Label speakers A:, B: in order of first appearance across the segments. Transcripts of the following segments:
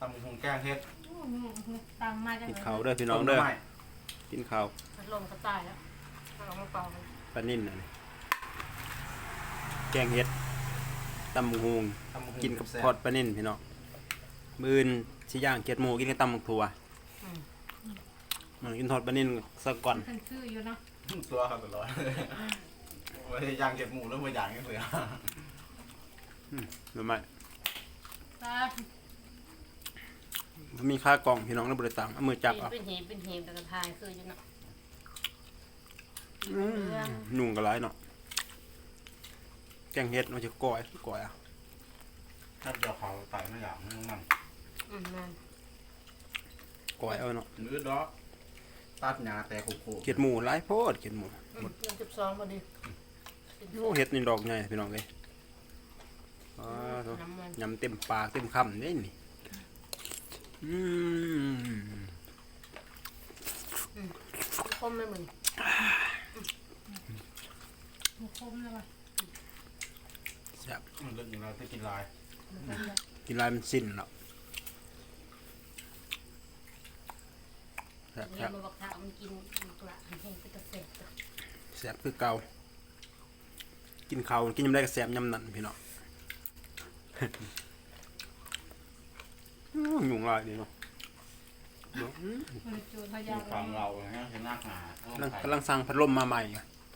A: ำหุงแกงเฮ็ด
B: ตามมาจัง
C: กิน
B: เลย
C: ข้าวเด้อพี่น้องเด้อกินข้าว
B: พัดลมก็ตายแล้วเอามาเป่า
C: ปลานิ่นน่ะนี่แกงเฮ็ดตำบักหุ่งกินกับทอดปลานิ่นพี่น้องมื้ออื่นสิย่างเกี๊ยดหมูกินกับตำบักถั่วมันกินทอดปลานิ่นซะก่อน
B: ขึ้นชื่ออยู่เนาะ
A: ตัวครับตลอดว่าย่างเก็บหมูแล้วมาย่างกันเสือ
C: รู้ไหม
B: ตา
C: มีค่ากล่องพี่น้องในบริษัทเอามือจับเอา
B: เป็นหีบแต่กระทายคืออยู่เนาะ
C: ยุ่งกันหลายเนาะแกงเฮ็ดมันจะก่อยอ่ะ
A: ถ้าเดี๋ยวเขาใส่ไม่อย่างนั่น
B: นั่น
C: ก่อยเอาเนาะ
A: มือดอกตัดหญ้าแต่โค
C: เกี๊ยดหมูหลายโพดเกี๊ยดหมู
B: ยัง12พอดี
C: โอ้เฮ็ดนี่ดอกใหญ่พี่น้องเลยยำเต็มปากเต็มคำนี่นี่
B: คมเลยมึงคมเลยว่ะ
C: แซ่บ
A: มันเรื่องอย่างไรจะกินลาย
C: กินลายมันสิ้นแล้วแซ่บ
B: เนี่ยมันบอกถ้ามันกินกระแห้งเป็นกระเสร็จ
C: แซ่บคือเก่ากินข้าวกินยำได้ก็แซ่บยำนั่นพี่น้องยุ่งหลายดีเนาะ
B: มันจูนพยา
A: ฟังเราฮะเห็นหน้าหนาก
C: ำลังสั่งพัดลมมาใหม่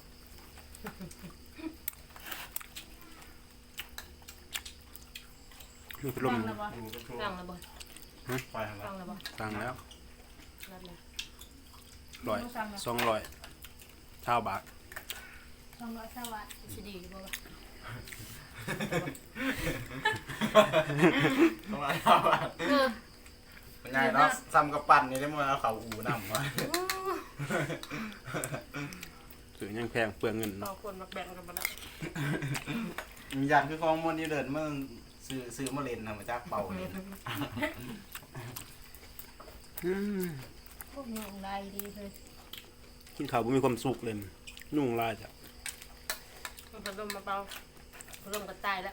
C: มีพัดลม
B: ฟังแล้วบ่ฟังแล้วบ่
A: ไปทาง
B: ฟังแล้วบ่
C: สั่งแล้ว
B: นั่นแหละ
C: 200ชาวบาท
B: 200สวัสดิ์สิดีบ่วะ
A: ต้องอะไรครับเป็นไงเนาะซ้ำกับปั่นนี่ได้มาเขาอูนำวะ
C: ถือยังแพงเปลืองเงิน
B: บา
C: เนาะ
B: งคนมาแบ่งกันมาแล้ว
A: มีอย่างคือของมันนี่เดินเมื่อซื้อมาเล่นทำมาจากเป่าเล่น
B: พวกนี้ได้ดีเลย
C: กินข้าวบ่มีความสุขเลยยุ่งหลายจ้ะ
B: มันพัดลมมาเป่าพัดลมก็ตายแล้ว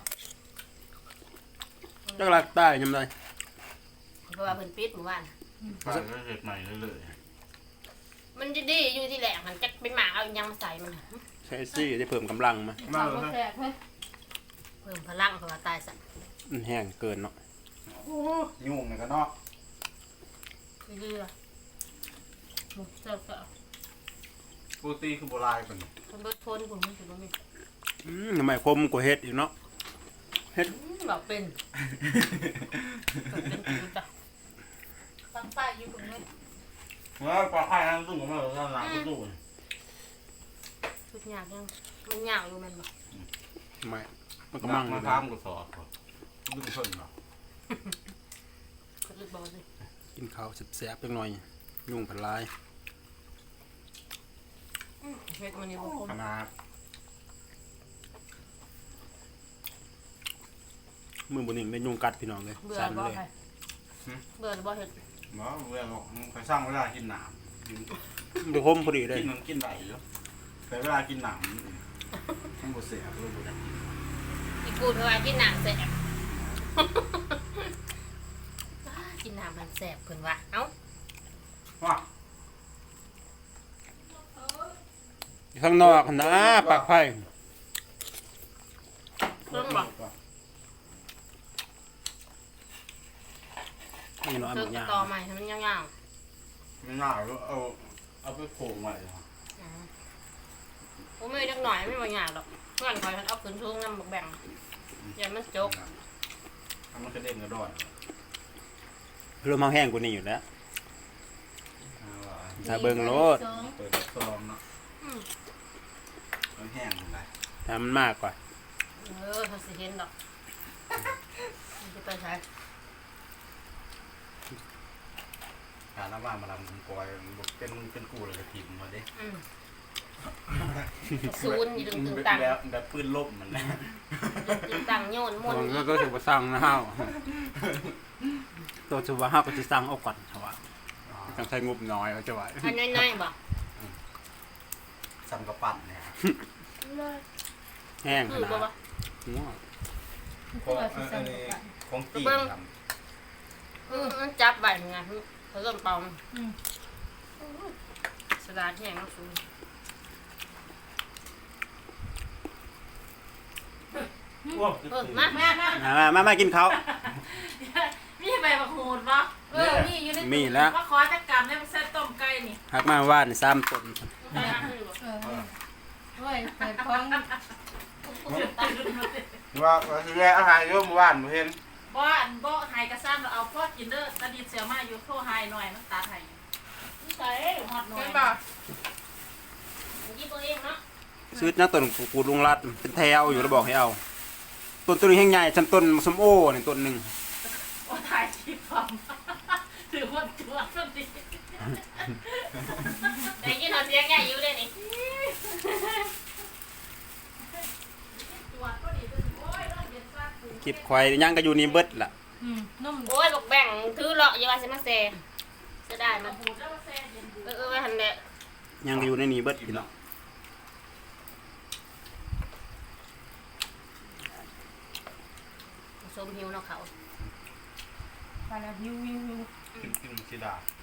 C: จักรักใต้ยำได้
B: เพราะว่าเพิ่นปิดเมื่อวาน
A: ไปก็เห็ดใหม่เลย
B: มันจะดีอยู่ที่แหลกมันจะไปหมาเอายังมาใส่มัน
C: ใช้ซี่ได้เพิ่มกำลังมา
A: มาเลย
B: เพิ่มพลังเพราะว่าตายสัตว์
C: มันแห้งเกินเนาะ
A: ยุ่งเนี่ยก็เนาะ
B: เรือหมดเจ้าเจ้า
A: ปกติคือโบราณเป็น
B: คนเบิดทนผมมันถือว่ามี
C: ทำไมคมกว่าเฮ็ดอยู่เนาะ
B: บอกเป็นกูจ้ะตั้งป้ายอยู่ตรงนี้
A: ว่าปลาไข่ทั้งตู้ของมันก็ล้างตู้
B: ชุดยากยังมันยากอยู่มันบอก
C: ทำไมมันก็
A: มั
C: มั่
A: ง
C: ง
A: มา
C: อยู่
A: ทำ
C: นะ
A: กูสอบดึงเพิ่นเนาะ
B: เขาเลยบอกเลย
C: กินข้าวแซ่บๆจังหน่อยยุ่งผันหลาย
B: เฮ็ดมันนี่บอก
A: ขนาด
C: มือบนหนึ่งได้ยุงกัดพี่น้องเลย
B: เบื่อ
C: สั่น
B: บ่
C: เลย
B: ใครเบื่อหรือบ่เฮ็ด
A: เนาะเวลาไปสร้างเวลากินหนาม
C: ดูคมพอดีเลย
A: กินมันกินไหลเยอะแต่เวลากินหนามทั้งหมดเสียรู้บุญ
B: อีกูเท่าไหร่กินหนังแสบกินหนังมันแสบเพิ่นว่าเอ้า
A: ว่า
C: ข้างนอกนะปากไผ่
B: เพิ่นบอก
C: นี่เนาะอัน
B: เพิ่
C: นี้
B: น
C: ยาก
B: ต่อใหม่ให้มันยาว
A: ไม่น่าเอาไปโขงไว้
B: ๆผมไม่จักหน่อยไม่บ่ยากดอกเพื่อนคอยมันเอาขึ้นทุ่งนำบักแบ่งอย่ามันจก
A: มันกระเด็นกระดอน
C: เริ่มมาแห้งกว่านี้อยู่แล้วถ้าเบิ่งโลด
A: เปิดซองเนาะมันแห้งเลย
C: ถ้ามันมากกว่า
B: เขาสิเห็นดอกมันจะไปใช้
A: การน้ำว่ามาลำกอยเป็นกูเลยทีมมาดิ
B: ศูนย์อยู่ตึงตัง
A: แบบปืนลบมันนะ
B: ตึงตังโยนมน
C: มันก็ถือว่าสั่งนะฮะตัวถือว่าห้าก็จะสั่งเอาก่อนเขาว่าต้องใช้งบน้อยเขาจะไหว
B: อันน้อยๆบ่
A: ซ้ำกระปั่นเนี่ย
C: แห้งข
B: คือ
C: นา
B: บ่
C: ด
B: วะ
C: งัว
A: ของจีนท
B: เอมันจับใบไงเขาเริ่มเป่า
D: อืม
B: สลัดแห้งน้ำซุป มา
D: แม่นะ
C: มากินข้าว
D: มีใบบักหูดปะมีอยู่ในตู้
C: มีแล้ว
D: มาขอจักกรรมได้มาใส่ต้มไก่นี่
C: หักมาว่าน3ต้น
D: เฮ้ยเปิดท้อง
A: ว่าสิแลอาหารโยมบ้านบ่เห็น
D: บ่หายกระซ้ำเราเอาพ่อกินเด้อตะดิดเสียมาอยู่โทรหายหน่อยมันตัดให้ใส่ฮอดหน่อย
B: ยี่ตัวเองเนาะ
C: ซื้อนักต้นกูลุงรัดเป็นแถวอยู่แล้วบอกให้เอาต้นนี้แห้งใหญ่ชั้นต้นส้มโอนี่ต้นหนึ่ง
D: โอ้ถ่ายคลิปผมถือว่าตัวมันดี
B: แต่กินหอเสียงใหญ่อยู่เลยนี่
D: ตัวก็ดีตัวโอ้ยเราเห็นซากปู
C: คลิปควายย่างก็อยู่นี่เบิดล่ะ
D: นุ่ม
B: โอ้ยบอกแบ่งถือเลาะอย่าว่าสิมาแซ่จะได้มัน
D: บูดแล้วก็แซ่เย็นบูด
B: ไว้หันแหละ
C: ย่างก็อยู่ในนี่เบิดพี่น้อง
B: สมหิวเนาะเขา
D: ไปแล้ววิว
A: กินสิดา